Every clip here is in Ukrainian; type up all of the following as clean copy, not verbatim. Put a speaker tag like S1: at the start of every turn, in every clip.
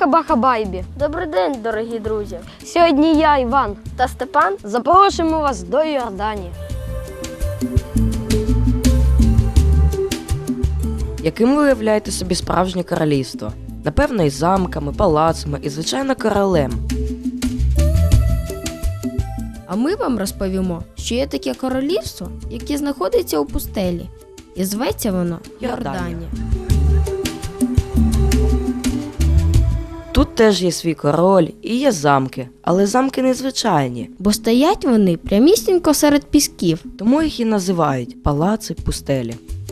S1: Баха-Баха-Байбі!
S2: Добрий день, дорогі друзі!
S1: Сьогодні я, Іван
S2: та Степан
S1: запрошуємо вас до Йорданії.
S3: Яким ви уявляєте собі справжнє королівство? Напевно, із замками, палацами і, звичайно, королем.
S4: А ми вам розповімо, що є таке королівство, яке знаходиться у пустелі. І зветься воно Йорданія.
S3: Тут теж є свій король і є замки, але замки незвичайні,
S4: Бо стоять вони прямісінько серед пісків.
S3: тому їх і називають палаци пустелі.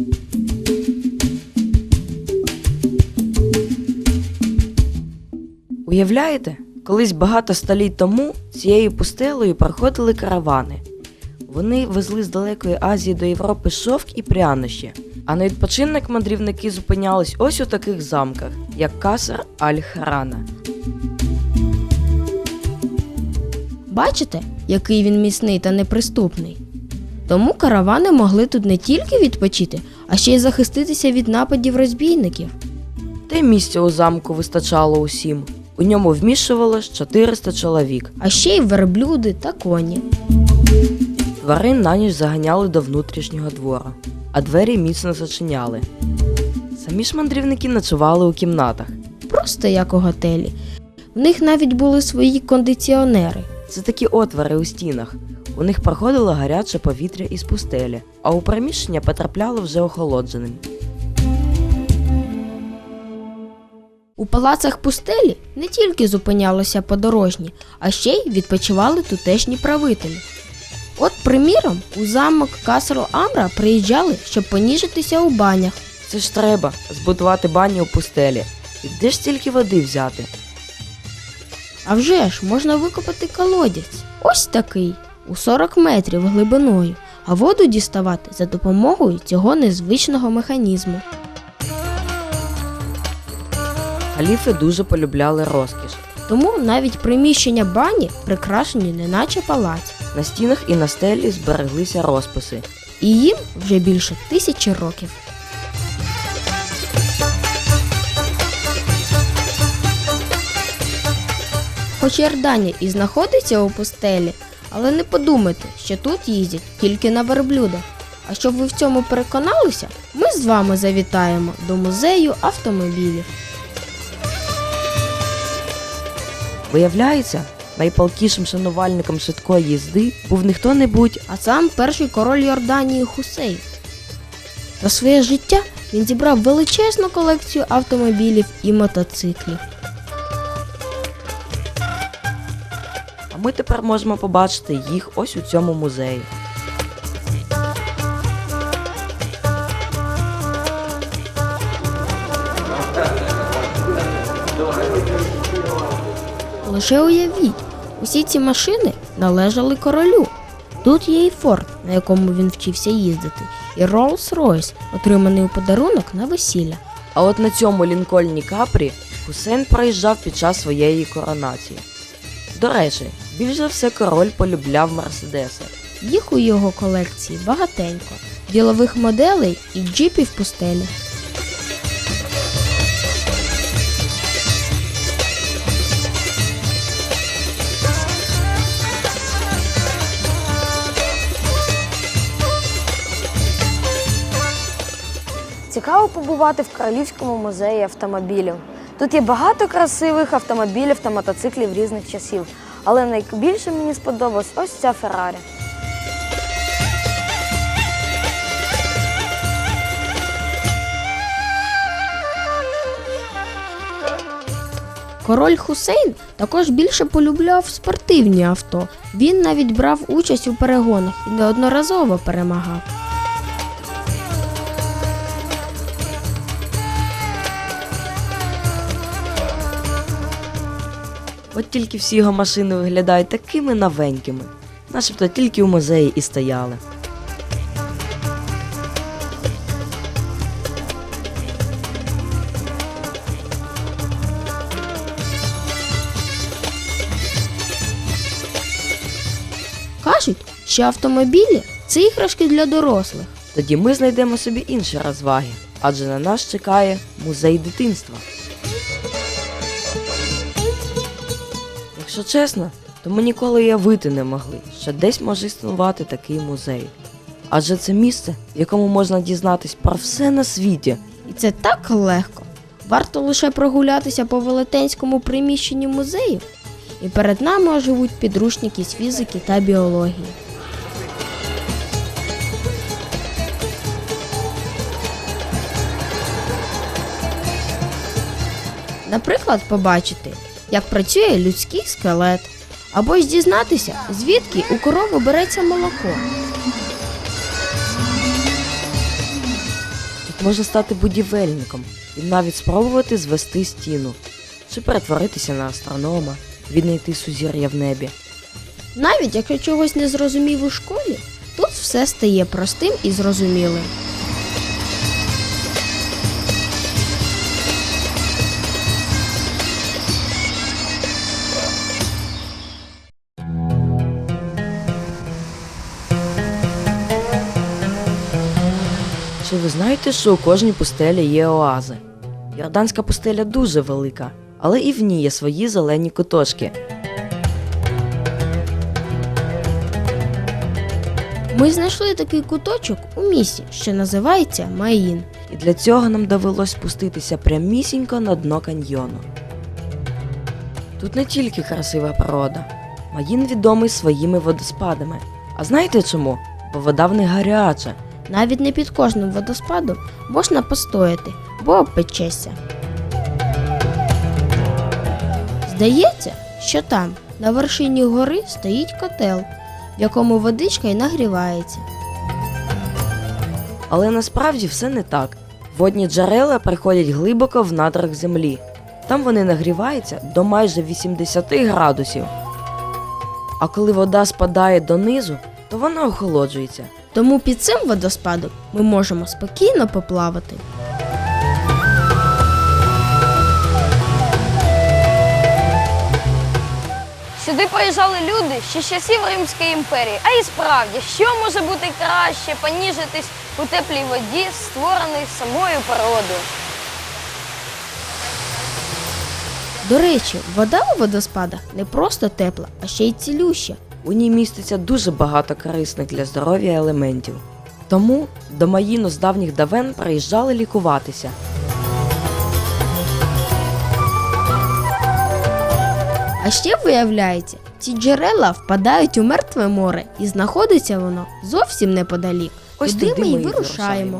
S3: Уявляєте? Колись багато століть тому цією пустелею проходили каравани. Вони везли з далекої Азії до Європи шовк і прянощі, а на відпочинок мандрівники зупинялись ось у таких замках, як Каср Аль-Харана.
S4: Бачите, який він міцний та неприступний? Тому каравани могли тут не тільки відпочити, а ще й захиститися від нападів розбійників.
S3: Та й місця у замку вистачало усім. У ньому вміщувалось 400 чоловік.
S4: А ще й верблюди та коні.
S3: Тварин на ніч заганяли до внутрішнього двора, а двері міцно зачиняли. Самі ж мандрівники ночували у кімнатах.
S4: Просто як у готелі. В них навіть були свої кондиціонери.
S3: Це такі отвори у стінах. У них проходило гаряче повітря із пустелі, а у приміщення потрапляло вже охолодженим.
S4: У палацах пустелі не тільки зупинялися подорожні, а ще й відпочивали тутешні правителі. От, приміром, у замок Каср-Амра приїжджали, щоб поніжитися у банях.
S3: Це ж треба збудувати баню у пустелі. І де ж стільки води взяти?
S4: А вже ж можна викопати колодязь. Ось такий, у 40 метрів глибиною, а воду діставати за допомогою цього незвичного механізму.
S3: Халіфи дуже полюбляли розкіш.
S4: Тому навіть приміщення бані прикрашені неначе палац.
S3: На стінах і на стелі збереглися розписи.
S4: І їм вже більше 1000 років. Хоч Йорданія і знаходиться у пустелі, але не подумайте, що тут їздять тільки на верблюдах. А щоб ви в цьому переконалися, ми з вами завітаємо до музею автомобілів.
S3: Виявляється, найпалкішим шанувальником швидкої їзди був не хто-небудь,
S4: А сам перший король Йорданії Хусейн. За своє життя він зібрав величезну колекцію автомобілів і мотоциклів.
S3: а ми тепер можемо побачити їх ось у цьому музеї.
S4: Лише уявіть, усі ці машини належали королю. Тут є і Форд, на якому він вчився їздити, і Роллс-Ройс, отриманий у подарунок на весілля.
S3: А от на цьому Лінкольні Капрі Хусейн проїжджав під час своєї коронації. До речі, більш за все король полюбляв Мерседеси.
S4: Їх у його колекції багатенько, ділових моделей і джипів пустелі.
S1: Цікаво побувати в Королівському музеї автомобілів. Тут є багато красивих автомобілів та мотоциклів різних часів, але найбільше мені сподобалась ось ця Феррарі.
S4: Король Хусейн також більше полюбляв спортивні авто. Він навіть брав участь у перегонах і неодноразово перемагав.
S3: От тільки всі його машини виглядають такими новенькими, начебто тільки у музеї і стояли.
S4: Кажуть, що автомобілі – це іграшки для дорослих.
S3: Тоді ми знайдемо собі інші розваги, адже на нас чекає музей дитинства. Якщо чесно, то ми ніколи й уявити не могли, що десь може існувати такий музей. Адже це місце, в якому можна дізнатись про все на світі.
S4: І це так легко. Варто лише прогулятися по велетенському приміщенню музею, і перед нами оживуть підручники з фізики та біології. Наприклад, побачити, як працює людський скелет, або ж дізнатися, звідки у корови береться молоко.
S3: Тут можна стати будівельником і навіть спробувати звести стіну, чи перетворитися на астронома, віднайти сузір'я в небі.
S4: Навіть якщо чогось не зрозумів у школі, тут все стає простим і зрозумілим.
S3: Чи ви знаєте, що у кожній пустелі є оази? Йорданська пустеля дуже велика, але і в ній є свої зелені куточки.
S4: Ми знайшли такий куточок у місті, що називається Маїн.
S3: І для цього нам довелось спуститися прямісінько на дно каньйону. Тут не тільки красива природа. Маїн відомий своїми водоспадами. А знаєте чому? Бо вода в них гаряча.
S4: Навіть не під кожним водоспадом можна постояти, бо обпечешся. Здається, що там, на вершині гори, стоїть котел, в якому водичка й нагрівається.
S3: Але насправді все не так. Водні джерела приходять глибоко в надрах землі. Там вони нагріваються до майже 80 градусів. А коли вода спадає донизу, то вона охолоджується.
S4: Тому під цим водоспадом ми можемо спокійно поплавати.
S1: Сюди приїжджали люди ще з часів Римської імперії. А і справді, що може бути краще, поніжитись у теплій воді, створеній самою природою?
S4: До речі, вода у водоспадах не просто тепла, а ще й цілюща.
S3: У ній міститься дуже багато корисних для здоров'я елементів. Тому до Маїну з давніх давен приїжджали лікуватися.
S4: А ще виявляється, ці джерела впадають у мертве море і знаходиться воно зовсім неподалік.
S3: Ось
S4: Туди
S3: туди
S4: ми й
S3: ми й
S4: вирушаємо.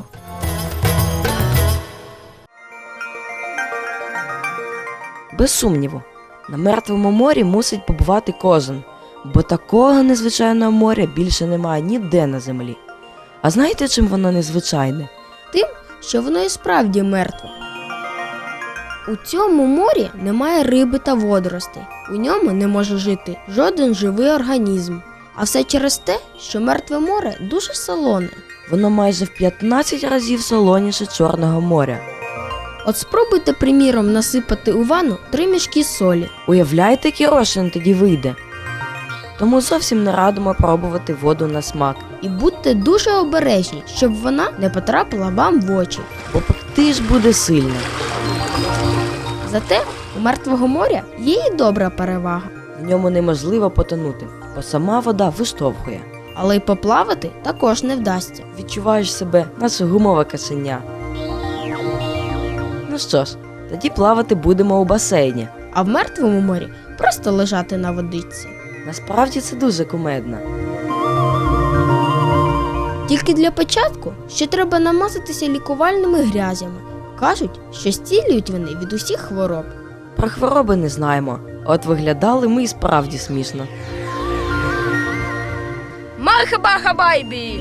S3: Без сумніву, на Мертвому морі мусить побувати кожен, бо такого незвичайного моря більше немає ніде на землі. А знаєте, чим воно незвичайне?
S4: Тим, що воно і справді мертве. У цьому морі немає риби та водоростей. У ньому не може жити жоден живий організм. А все через те, що мертве море дуже солоне.
S3: Воно майже в 15 разів солоніше Чорного моря.
S4: От спробуйте, приміром, насипати у ванну 3 мішки солі.
S3: Уявляєте, який розчин тоді вийде? Тому зовсім не радимо пробувати воду на смак,
S4: І будьте дуже обережні, щоб вона не потрапила вам в очі.
S3: бо пекти ж буде сильно.
S4: Зате у Мертвого моря є і добра перевага.
S3: В ньому неможливо потонути, бо сама вода виштовхує.
S4: Але й поплавати також не вдасться.
S3: Відчуваєш себе, наче гумове каченя. Ну що ж, тоді плавати будемо у басейні.
S4: А в Мертвому морі просто лежати на водичці.
S3: Насправді це дуже кумедно.
S4: Тільки для початку ще треба намазатися лікувальними грязями. Кажуть, що зцілюють вони від усіх хвороб.
S3: Про хвороби не знаємо, от виглядали ми і справді смішно.
S2: Мархаба хабайбі!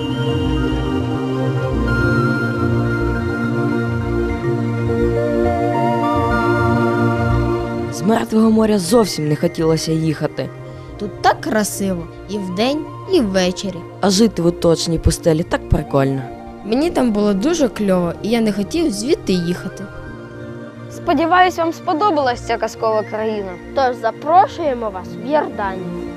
S3: З Мертвого моря зовсім не хотілося їхати,
S4: Тут так красиво і вдень, і ввечері.
S3: а жити в оточній пустелі так прикольно.
S4: Мені там було дуже кльово, і я не хотів звідти їхати.
S1: Сподіваюсь, вам сподобалась ця казкова країна.
S2: Тож запрошуємо вас в Йорданію.